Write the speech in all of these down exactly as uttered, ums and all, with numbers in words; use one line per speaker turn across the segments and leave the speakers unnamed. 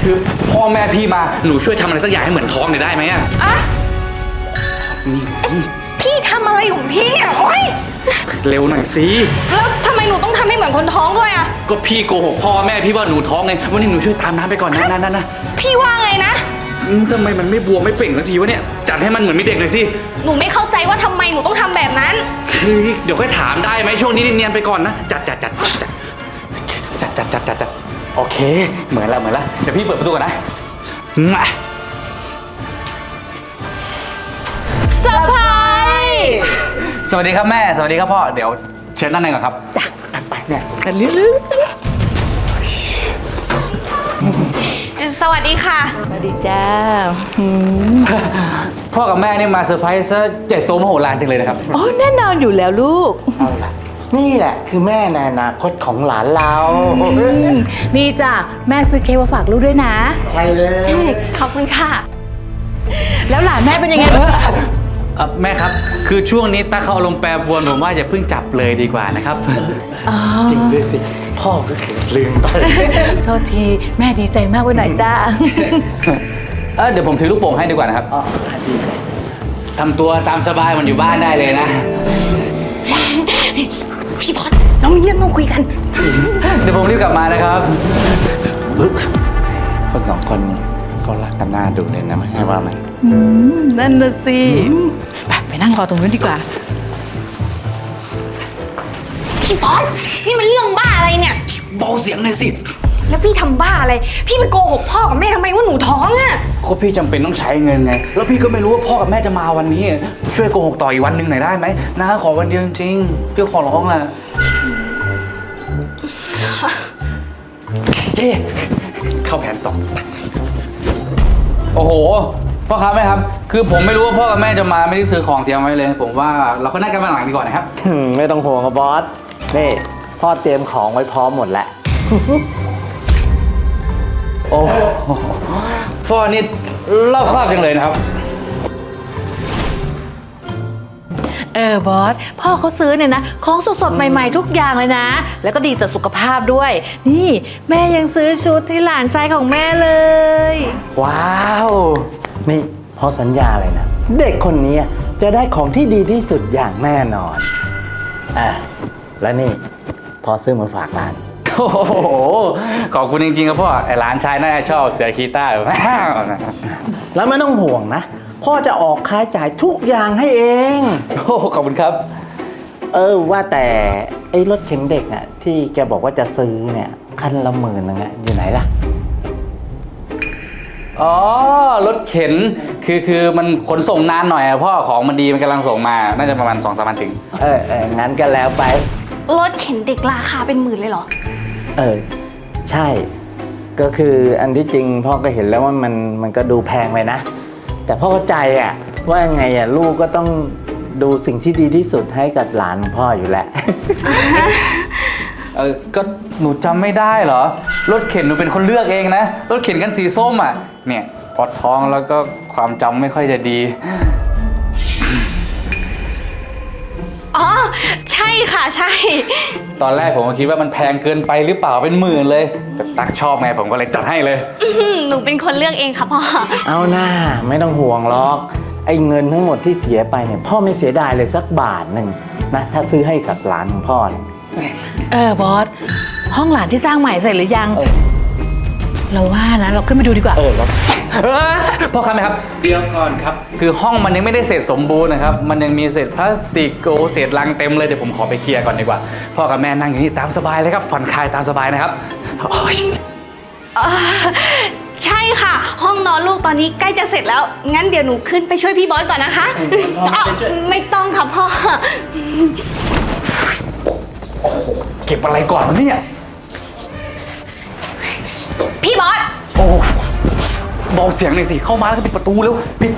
คือพ่อแม่พี่มาหนูช่วยทำอะไรสักอย่างให้เหมือนท้องหน่อยได้ไหมอะ
อะ
นี่นี่
พี่ทำอะไรของพี่เนี่ยโอ๊ย
เร็วหน่อยสิ
แล้วทำไมหนูต้องทำให้เหมือนคนท้องด้วยอะ
ก็พี่โกหกพ่อแม่พี่ว่าหนูท้องไงวันนี้หนูช่วยตามน้ำไปก่อนนะนะนะนะ
พี่ว่าไงนะ
ทำไมมันไม่บวมไม่เปล่งสักทีวะเนี่ยจัดให้มันเหมือนไม่เด็กหน่อยสิ
หนูไม่เข้าใจว่าทำไมหนูต้องทำแบบนั้น
คือเดี๋ยวค่อยถามได้ไหมช่วงนี้เนียนๆไปก่อนนะจัดจัดจัดจัดจัดจัดจัดจัดจัดโอเคเหมือนละเหมือนละเดี๋ยวพี่เปิดประตูก่อนนะมา
เซอร์ไพรส์
สวัสดีครับแม่สวัสดีครับพ่อเดี๋ยวเชิญนั่งในก่อนครับจ้ะไปเนี่ย
กันลื้อสวัสดีค่ะ
สวัสดีจ้า
พ่อกับแม่นี่มาเซอร์ไพรส์ซะใหญ่โตมโหฬารจังเลยนะครับ
โอ้แน่นอนอยู่แล้วลูก
เอาล่ะนี่แหละคือแม่ในอนาคตของหลานเรา
นี่จ้ะแม่ซื้อเค้กมาฝากลูกด้วยนะ
ใช่เลย
ขอบคุณค่ะ
แล้วหลานแม่เป็นยังไง
แม่ครับคือช่วงนี้ตาเขาอารมณ์แปรปรวนผมว่าอย่าเพิ่งจับเลยดีกว่านะครับ
จริงด้วยสิพ่อก็เกิดลืมไป
โทษทีแม่ดีใจมากไปหน่อยจ้า
เออเดี๋ยวผมถือลูกโป่งให้ดีกว่านะครับ
อ๋อดีเลย
ทำตัวตามสบายมันอยู่บ้านได้เลยนะ
พี่พอดน้องเยี่ยมมาคุยกัน
เดี๋ยวผมรีบกลับมานะครับคนสองคนนี้เขารักกันน่าดูเลยนะไม่ว่าไหม
นั่นน่ะสิไปไปนั่งรอตรงนู้นดีกว่า
พี่พอดนี่มันเรื่องบ้าอะไรเนี่ย
เบาเสียงหน่อยสิ
แล้วพี่ทำบ้าอะไรพี่ไปโกหกพ่อกับแม่ทำไมว่าหนูท้องอ่ะ
ก็พี่จำเป็นต้องใช้เงินไงแล้วพี่ก็ไม่รู้ว่าพ่อกับแม่จะมาวันนี้ช่วยโกหกต่ออีกวันหนึ่งหน่อยได้ไหมนะขอวันเดียวจริงๆพี่ขอร้องแหละเจ๊เข้าแผนต่อโอ้โหพ่อครับแม่ครับคือผมไม่รู้ว่าพ่อกับแม่จะมาไม่ได้ซื้อของเตรียมไว้เลยผมว่าเราก็นั่งกันมาหลังดีกว่านะครับ
ไม่ต้องห่วงครับบอสนี่พ่อเตรียมของไว้พร้อมหมดแล้ว
โอ้พ่อนี่รอบครอบจังเลยนะครับ
เออบอสพ่อเขาซื้อเนี่ยนะของสดๆใหม่ๆทุกอย่างเลยนะแล้วก็ดีต่อสุขภาพด้วยนี่แม่ยังซื้อชุดให้หลานชายของแม่เลย
ว้าวนี่พ่อสัญญาเลยนะเด็กคนนี้จะได้ของที่ดีที่สุดอย่างแน่นอนอ่ะและนี่พ่อซื้อมาฝากหลาน
โอ้โหขอบคุณจริงๆครับพ่อไอ้หลานชายน่าจะชอบเสือคีต้า
แล้วไม่ต้องห่วงนะพ่อจะออกค่าจ่ายทุกอย่างให้เอง
โอ้ขอบคุณครับ
เออว่าแต่ไอ้รถเข็นเด็กอ่ะที่แกบอกว่าจะซื้อเนี่ยคันละหมื่นนึงอ่ะอยู่ไหนล่ะ
อ๋อรถเข็นคือคือมันขนส่งนานหน่อยอะพ่อของมันดีมันกำลังส่งมาน่าจะประมาณสองสามวันถึง
เออเอองั้นก็แล้วไป
รถเข็นเด็กราคาเป็นหมื่นเลยเหรอ
เออใช่ก็คืออันที่จริงพ่อก็เห็นแล้วว่ามันมันก็ดูแพงไปนะแต่พ่อเข้าใจอ่ะว่าไงอ่ะลูกก็ต้องดูสิ่งที่ดีที่สุดให้กับหลานพ่ออยู่แล้ว
เออก็หนูจำไม่ได้เหรอรถเข็นหนูเป็นคนเลือกเองนะรถเข็นกันสีส้มอ่ะเนี่ยปวดท้องแล้วก็ความจำไม่ค่อยจะดี
อ๋อใช่ค่ะใช่
ตอนแรกผมก็คิดว่ามันแพงเกินไปหรือเปล่าเป็นหมื่นเลยแต่ตักชอบไงผมก็เลยจัดให้เลย
หนูเป็นคนเลือกเองค่ะพ่อ
เอาหน้าไม่ต้องห่วงหรอกไอ้เงินทั้งหมดที่เสียไปเนี่ยพ่อไม่เสียดายเลยสักบาทหนึ่งนะถ้าซื้อให้กับหลานของพ่อเนี่ย
เออบอสห้องหลานที่สร้างใหม่เสร็จหรือยังเราว่านะเราขึ้นไปดูดีกว่า
เออครับพ่อครับไหมครับเดี๋ยวก่อนครับคือห้องมันยังไม่ได้เสร็จสมบูรณ์นะครับมันยังมีเศษพลาสติกโกเศษลังเต็มเลยเดี๋ยวผมขอไปเคลียร์ก่อนดีกว่าพ่อกับแม่นั่งอยู่นี่ตามสบายเลยครับผ่อนคลายตามสบายนะครับ
ใช่ค่ะห้องนอนลูกตอนนี้ใกล้จะเสร็จแล้วงั้นเดี๋ยวหนูขึ้นไปช่วยพี่บอสก่อนนะคะไม่ต้องค่ะพ่อ
โอ้โหเก็บอะไรก่อนวะเนี่ย
พี่บอส
โอ้เบาเสียงหน่อยสิเข้ามาแล้วก็ปิดประตูเร็วปิด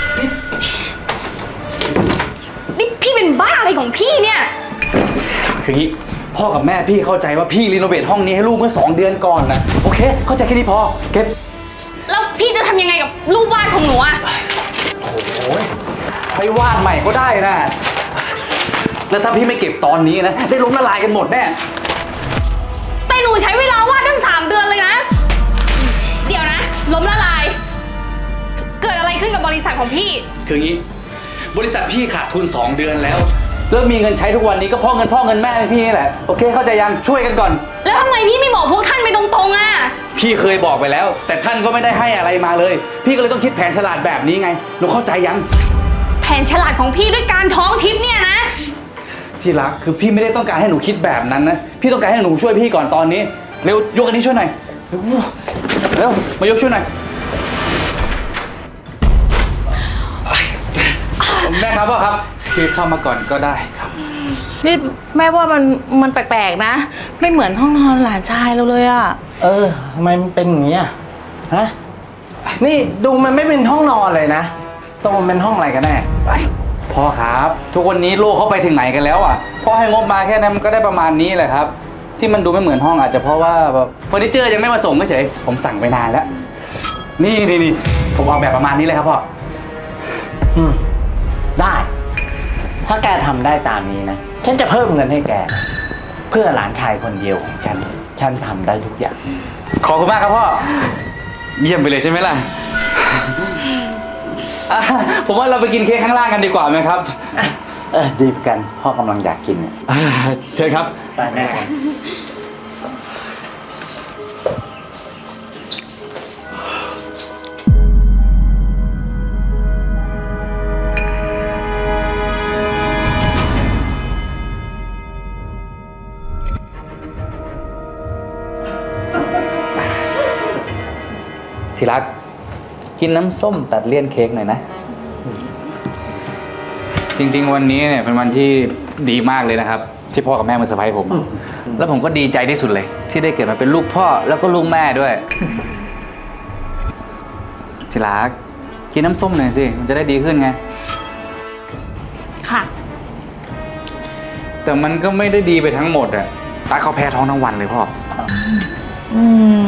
นี่พี่เป็นบ้าอะไรของพี่เนี่ย
คืองี้พ่อกับแม่พี่เข้าใจว่าพี่รีโนเวทห้องนี้ให้ลูกเมื่อสองเดือนก่อนนะโอเคเข้าใจแค่นี้พอเก็บ
แล้วพี่จะทำยังไงกับรูปวาดของหนูอะ
โอ้ยไปวาดใหม่ก็ได้นะแล้วถ้าพี่ไม่เก็บตอนนี้นะได้ล้มละลายกันหมดแน่
แต่หนูใช้เวลาวาดตั้งสามเดือนเลยนะเดี๋ยวนะล้มละลาย เกิดอะไรขึ้นกับบริษัทของพี่
คืองี้ บริษัทพี่ขาดทุน สอง เดือนแล้วแล้วมีเงินใช้ทุกวันนี้ก็เพราะเงินพ่อเงินแม่พี่นี่แหละโอเคเข้าใจยังช่วยกันก่อน
แล้วทำไมพี่ไม่บอกพวกท่านไปตรงๆอ่ะ
พี่เคยบอกไปแล้ว แต่ท่านก็ไม่ได้ให้อะไรมาเลย พี่ก็เลยต้องคิดแผนฉลาดแบบนี้ไงหนูเข้าใจยัง
แผนฉลาดของพี่ด้วยการท้องทิพย์เนี่ยนะ
ที่รักคือพี่ไม่ได้ต้องการให้หนูคิดแบบนั้นนะพี่ต้องการให้หนูช่วยพี่ก่อนตอนนี้เร็วยกอันนี้ช่วยหน่อยเร็วเร็วมายกช่วยหน่อยแม่ครับพ่อครับคือเข้ามาก่อนก็ได้ครับ
นี่แม่ว่ามันมันแปลกๆนะ ไม่เหมือนห้องนอนหลานชายเราเลยอะ
เออทำไมมันเป็นอย่างนี้อ่ะฮะนี่ดูมันไม่เป็นห้องนอนเลยนะตรงมันเป็นห้องอะไรกันแน่
พ่อครับทุกวันนี้โลกเขาไปถึงไหนกันแล้วอ่ะพ่อให้งบมาแค่นั้นมันก็ได้ประมาณนี้แหละครับ ที่มันดูไม่เหมือนห้องอาจจะเพราะว่าแบบเฟอร์นิเจอร์ยังไม่มาส่งเฉยๆผมสั่งไปนานแล้วนี่นี่นี่ผมเอาแบบประมาณนี้เลยครับพ่อ
อืมได้ ถ้าแกทำได้ตามนี้นะฉันจะเพิ่มเงินให้แก เพื่อหลานชายคนเดียวของฉัน ฉันทำได้ทุกอย่าง
ขอบคุณมากครับพ่อเยี่ยมไปเลยใช่ไหมล่ะอ่ะผมว่าเราไปกินเค้กข้างล่างกันดีกว่าไหมครับ
เออดีเหมือนกันพ่อกำลังอยากกินเนี่ย
อ่าเชิญครับ
ไปแม่
ที่รักกินน้ำส้มตัดเลี่ยนเค้กหน่อยนะ จริงๆวันนี้เนี่ยเป็นวันที่ดีมากเลยนะครับ ที่พ่อกับแม่มาเซอร์ไพรส์ผม แล้วผมก็ดีใจที่สุดเลย ที่ได้เกิดมาเป็นลูกพ่อแล้วก็ลูกแม่ด้วย ที่รักกินน้ำส้มหน่อยสิมันจะได้ดีขึ้นไง
ค่ะ
แต่มันก็ไม่ได้ดีไปทั้งหมดอะตาเขาแพ้ท้องทั้งวันเลยพ่อ
อืม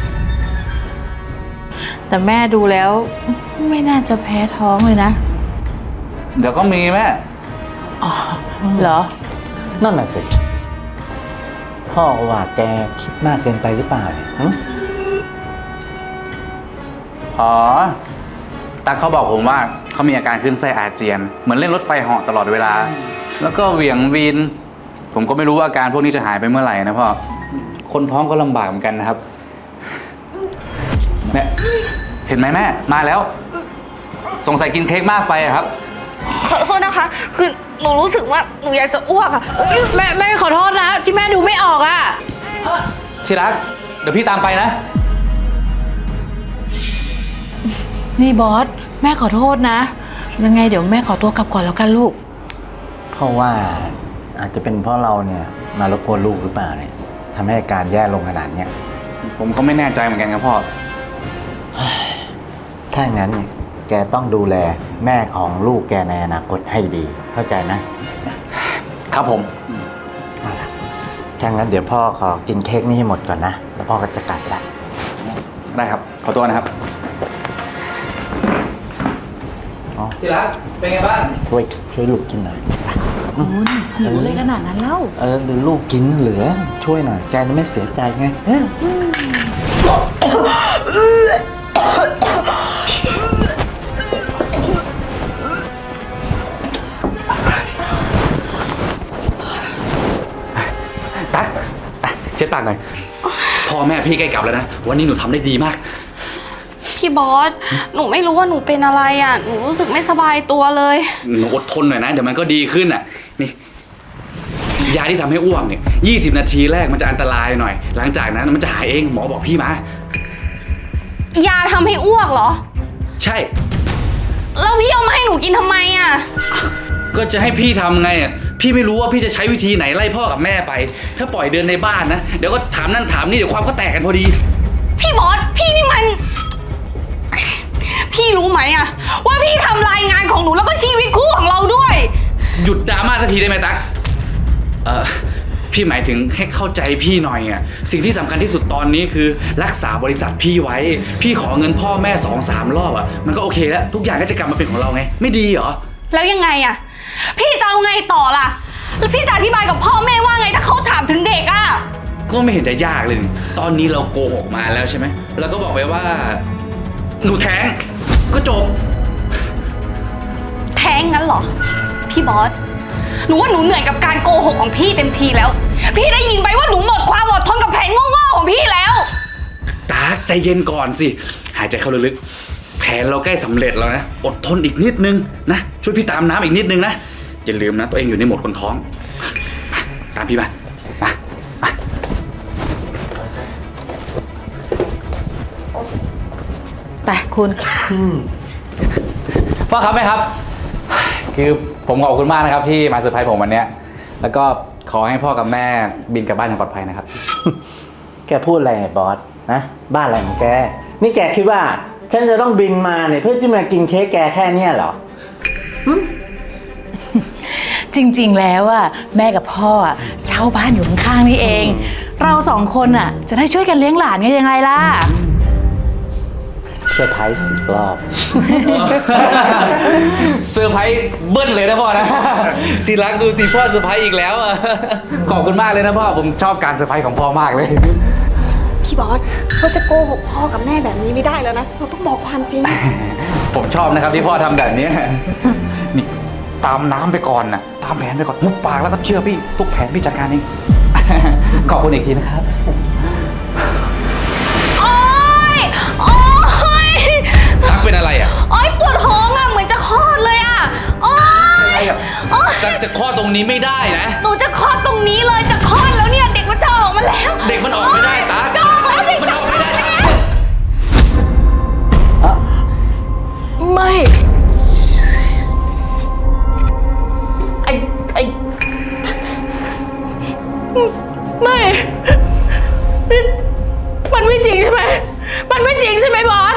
แต่แม่ดูแล้วไม่น่าจะแพ้ท้องเลยนะ
เดี๋ยวก็มีแม่
อ๋อ เหรอ
นั่นน่ะสิ พ่อว่าแกคิดมากเกินไปหรือเปล่าเนี่ยหึ
อ๋อตาเขาบอกผมว่าเขามีอาการขึ้นไส้อาเจียน เหมือนเล่นรถไฟเหาะตลอดเวลา แล้วก็เหวี่ยงวีน ผมก็ไม่รู้ว่าอาการพวกนี้จะหายไปเมื่อไหร่นะพ่อ คนท้องก็ลำบากเหมือนกันนะครับ แม่ เห็นไหมแม่ มาแล้ว สงสัยกินเค้กมากไปอะครับ
ขอโทษนะคะ คือหนูรู้สึกว่าหนูอยากจะอ้วกอ่ะ
แม่แม่ขอโทษนะ ที่แม่ดูไม่ออกอะ
ที่รัก เดี๋ยวพี่ตามไปนะ
นี่บอส แม่ขอโทษนะ ยังไงเดี๋ยวแม่ขอตัวกลับก่อนแล้วกันลูก
เพราะว่าอาจจะเป็นเพราะเราเนี่ยมารบกวนลูกหรือเปล่าเนี่ยทำให้อาการแย่ลงขนาดเนี้ย
ผมก็ไม่แน่ใจเหมือนกันครับพ่อ
ถ้าอย่างนั้นเนี่ยแกต้องดูแลแม่ของลูกแกในอนาคตให้ดี เข้าใจนะ
ครับผม
เอาล่ะถ้างั้นเดี๋ยวพ่อขอกินเค้กนี้ให้หมดก่อนนะ แล้วพ่อก็จะกลับละ
ได้ครับ ขอตัวนะครับ
อ๋อ
ที่รัก เป็นไงบ้าง
ช่วยช่วยลูกกินหน่อย
คุณหิวเลยขนาดนั้นแล้ว
เออเดี๋ยวลูกกินเหลือ ช่วยหน่อย แกจะไม่เสียใจไงเออ
ตั๊กอ่ะเช็ดปากหน่อย พ่อแม่พี่ใกล้กลับแล้วนะ วันนี้หนูทำได้ดีมาก
พี่บอส หนูไม่รู้ว่าหนูเป็นอะไรอ่ะ หนูรู้สึกไม่สบายตัวเลย
หนูอดทนหน่อยนะ เดี๋ยวมันก็ดีขึ้นอ่ะ นี่ ยาที่ทำให้อ้วกเนี่ยยี่สิบนาทีแรกมันจะอันตรายหน่อย หลังจากนั้นมันจะหายเอง หมอบอกพี่มา
ยาทำให้อ้วกเหรอ
ใช่
แล้วพี่เอามาให้หนูกินทำไมอ่ะ
ก็จะให้พี่ทำไงอ่ะ พี่ไม่รู้ว่าพี่จะใช้วิธีไหนไล่พ่อกับแม่ไป ถ้าปล่อยเดินในบ้านนะ เดี๋ยวก็ถามนั่นถามนี่เดี๋ยวความก็แตกกันพอดี
พี่บอส พี่นี่มัน พี่รู้ไหมอ่ะ ว่าพี่ทำรายงานของหนูแล้วก็ชีวิตคู่ของเราด้วย
หยุดดราม่าสักทีได้ไหมตั๊กเออพี่หมายถึงให้เข้าใจพี่หน่อยอ่ะ สิ่งที่สำคัญที่สุดตอนนี้คือรักษาบริษัทพี่ไว้ พี่ขอเงินพ่อแม่สองสามรอบอ่ะ มันก็โอเคแล้ว ทุกอย่างก็จะกลับมาเป็นของเราไง ไม่ดีเหรอ
แล้วยังไงอ่ะ พี่จะเอาไงต่อล่ะ แล้วพี่จะอธิบายกับพ่อแม่ว่าไงถ้าเขาถามถึงเด็กอ่ะ
ก็ไม่เห็นจะยากเลยนี่ตอนนี้เราโกหกมาแล้วใช่ไหม แล้วก็บอกไปว่าหนูแท้งก็จบ
แท้งงั้นเหรอ พี่บอส หนูว่าหนูเหนื่อยกับการโกหกของพี่เต็มทีแล้ว พี่ได้ยินไปว่าหนูหมดความอดทนกับแผนโง่ๆของพี่แล้ว
ตาใจเย็นก่อนสิ หายใจเข้าลึกๆ แผนเราใกล้สำเร็จแล้วนะ อดทนอีกนิดนึงนะ ช่วยพี่ตามน้ำอีกนิดนึงนะ อย่าลืมนะ ตัวเองอยู่ในโหมดคนท้องมาตามพี่มามามา
ไปคุณ
พ่อครับแม่ครับ คือผมขอบคุณมากนะครับที่มาเซอร์ไพรส์ผมวันเนี้ย แล้วก็ขอให้พ่อกับแม่บินกลับบ้านอย่างปลอดภัยนะครับ
แกพูดอะไรไอ้บอสนะบ้านอะไรของแก นี่แกคิดว่าฉันจะต้องบินมาเนี่ยเพื่อที่มากินเค้กแกแค่เนี้ยเหรอ
จริงๆ แล้วอะแม่กับพ่ออะเช่าบ้านอยู่ข้างๆนี่เอง เราสองคนอะจะได้ช่วยกันเลี้ยงหลานกันยังไงล่ะ
เซอร์ไพรส์สิบรอบ
เซอร์ไพรส์เบิ้ลเลยนะพ่อนะ จีรักดูสิพ่อเซอร์ไพรส์อีกแล้วอะขอบคุณมากเลยนะพ่อ ผมชอบการเซอร์ไพรส์ของพ่อมากเลย
พี่บอสเราจะโกหกพ่อกับแม่แบบนี้ไม่ได้แล้วนะ เราต้องบอกความจริง
ผมชอบนะครับที่พ่อทำแบบนี้ นี่ตามน้ำไปก่อนนะตามแผนไปก่อนหุบปากแล้วก็เชื่อพี่ทุกแผนพี่จัดการเอง ขอบคุณอีกทีนะครับ
โอ๊ย โอ๊ย
ตักเป็นอะไรอ่ะ
โอ๊ยปวดท้องอะเหมือนจะคลอดเลยอะโอ๊ยโอ๊ย
ตักจะคลอดตรงนี้ไม่ได้นะ
หนูจะคลอดตรงนี้เลยจะคลอดแล้วเนี่ยเด็กมันจะออกมาแล้ว
เด็กมันออกไม่ได้ตั๊ก
จะออกแล้วเด็ก
มันออกไม่ได้
ไม่
ไอ้ไอ้
ไม่นี่มันไม่จริงใช่ไหม มันไม่จริงใช่ไหมบอส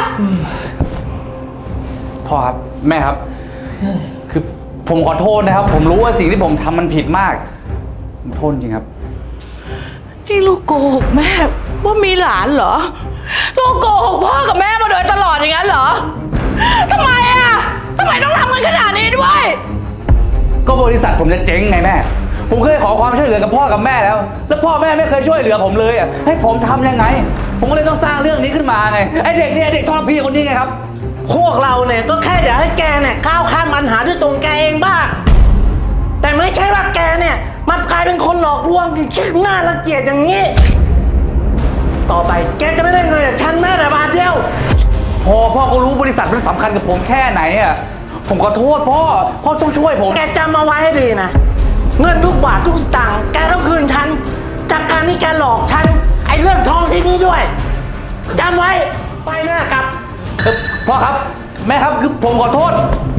พ่อครับแม่ครับ คือผมขอโทษนะครับ ผมรู้ว่าสิ่งที่ผมทำมันผิดมากผมโทษจริงครับ
นี่ลูกโกหกแม่ว่ามีหลานเหรอ ลูกโกหกพ่อกับแม่มาโดยตลอดอย่างนั้นเหรอทำไมอ่ะทำไมต้องทำกันขนาดนี้ด้วย
ก็บริษัทผมจะเจ๊งไงแม่ ผมเคยขอความช่วยเหลือกับพ่อกับแม่แล้ว แล้วพ่อแม่ไม่เคยช่วยเหลือผมเลยอ่ะ ให้ผมทำยังไง ผมก็เลยต้องสร้างเรื่องนี้ขึ้นมาไง ไอเด็กเนี่ยไอ้เด็กทรพีคนนี้ไงครับ
พวกเราเนี่ยก็แค่อยากให้แกเนี่ยก้าวข้ามปัญหาด้วยตรงแกเองบ้าง แต่ไม่ใช่ว่าแกเนี่ยมันกลายเป็นคนหลอกลวงที่ชื่อหน้ารังเกียจอย่างนี้ ต่อไปแกจะไม่ได้เงินจากฉันแม้แต่บาทเดียว
พอพ่อก็รู้บริษัทมันสำคัญกับผมแค่ไหนอ่ะ ผมขอโทษพ่อ พ่อต้องช่วยผม
แกจำเอาไว้ให้ดีนะ เงินทุกบาททุกสตางค์แกต้องคืนฉัน จากการที่แกหลอกฉัน ไอ้เรื่องทองที่นี่ด้วยจำไว้ไปแม่กลับ
เอ่อพ่อครับแม่ครับคือผมขอโทษ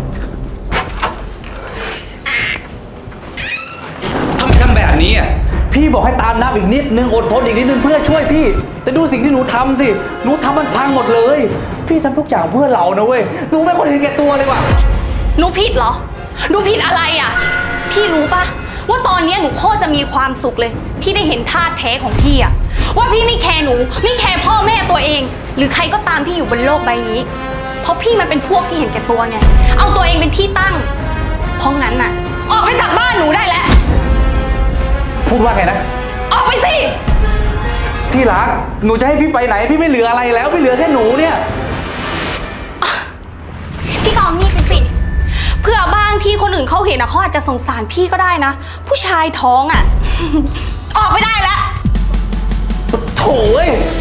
ทำไมทำแบบนี้อ่ะพี่บอกให้ตามน้ำอีกนิดนึงอดทนอีกนิดนึงเพื่อช่วยพี่ แต่ดูสิ่งที่หนูทำสิหนูทำมันพังหมดเลย พี่ทำทุกอย่างเพื่อเรานะเว้ยหนูไม่ควรเห็นแก่ตัวเลยว่ะ
หนูผิดเหรอ หนูผิดอะไรอ่ะ พี่รู้ปะว่าตอนนี้หนูโคตรจะมีความสุขเลย ที่ได้เห็นท่าแท้ของพี่อ่ะ ว่าพี่ไม่แคร์หนู ไม่แคร์พ่อแม่ตัวเอง หรือใครก็ตามที่อยู่บนโลกใบนี้ เพราะพี่มันเป็นพวกที่เห็นแก่ตัวไง เอาตัวเองเป็นที่ตั้ง เพราะงั้นน่ะ ออกไปจากบ้านหนูได้แล้ว
พูดว่าไงนะ
ออกไปสิ
ที่รักหนูจะให้พี่ไปไหนพี่ไม่เหลืออะไรแล้วไม่เหลือแค่หนูเนี่ย
พี่ก็เอานี่ไปสิ เพื่อบางที่คนอื่นเขาเห็นนะเขาอาจจะสงสารพี่ก็ได้นะ ผู้ชายท้องอ่ะ ออกไม่ได้แล้ว
โถ่เอ้ย